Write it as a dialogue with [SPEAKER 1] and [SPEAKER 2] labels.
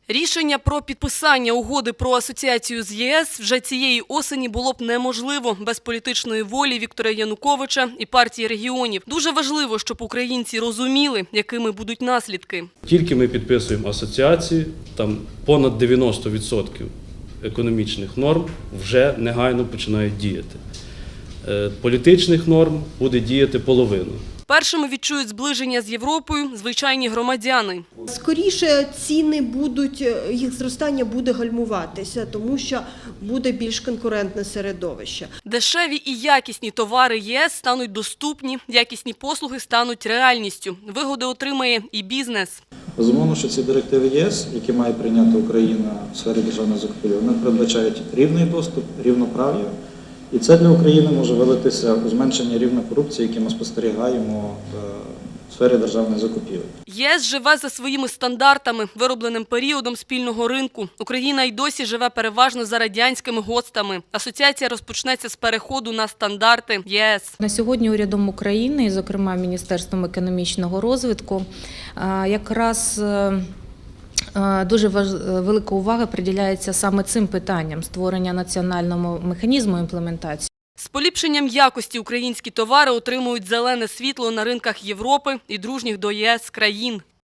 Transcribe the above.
[SPEAKER 1] Рішення про підписання угоди про асоціацію з ЄС вже цієї осені було б неможливо без політичної волі Віктора Януковича і партії регіонів. Дуже важливо, щоб українці розуміли, якими будуть наслідки.
[SPEAKER 2] Тільки ми підписуємо асоціацію, там понад 90% економічних норм вже негайно починають діяти. Політичних норм буде діяти половина.
[SPEAKER 1] Першими відчують зближення з Європою звичайні громадяни.
[SPEAKER 3] Скоріше ціни будуть, їх зростання буде гальмуватися, тому що буде більш конкурентне середовище.
[SPEAKER 1] Дешеві і якісні товари ЄС стануть доступні, якісні послуги стануть реальністю. Вигоди отримає і бізнес.
[SPEAKER 4] Безумовно, що ці директиви ЄС, які має прийняти Україна в сфері державної закупівлі, вони передбачають рівний доступ, рівноправ'я. І це для України може вилитися у зменшення рівня корупції, яке ми спостерігаємо в сфері державної закупівлі.
[SPEAKER 1] ЄС живе за своїми стандартами, виробленим періодом спільного ринку. Україна й досі живе переважно за радянськими ГОСТами. Асоціація розпочнеться з переходу на стандарти ЄС.
[SPEAKER 5] На сьогодні урядом України, і, зокрема, Міністерством економічного розвитку, якраз дуже велика увага приділяється саме цим питанням – створення національного механізму імплементації.
[SPEAKER 1] З поліпшенням якості українські товари отримують зелене світло на ринках Європи і дружніх до ЄС країн.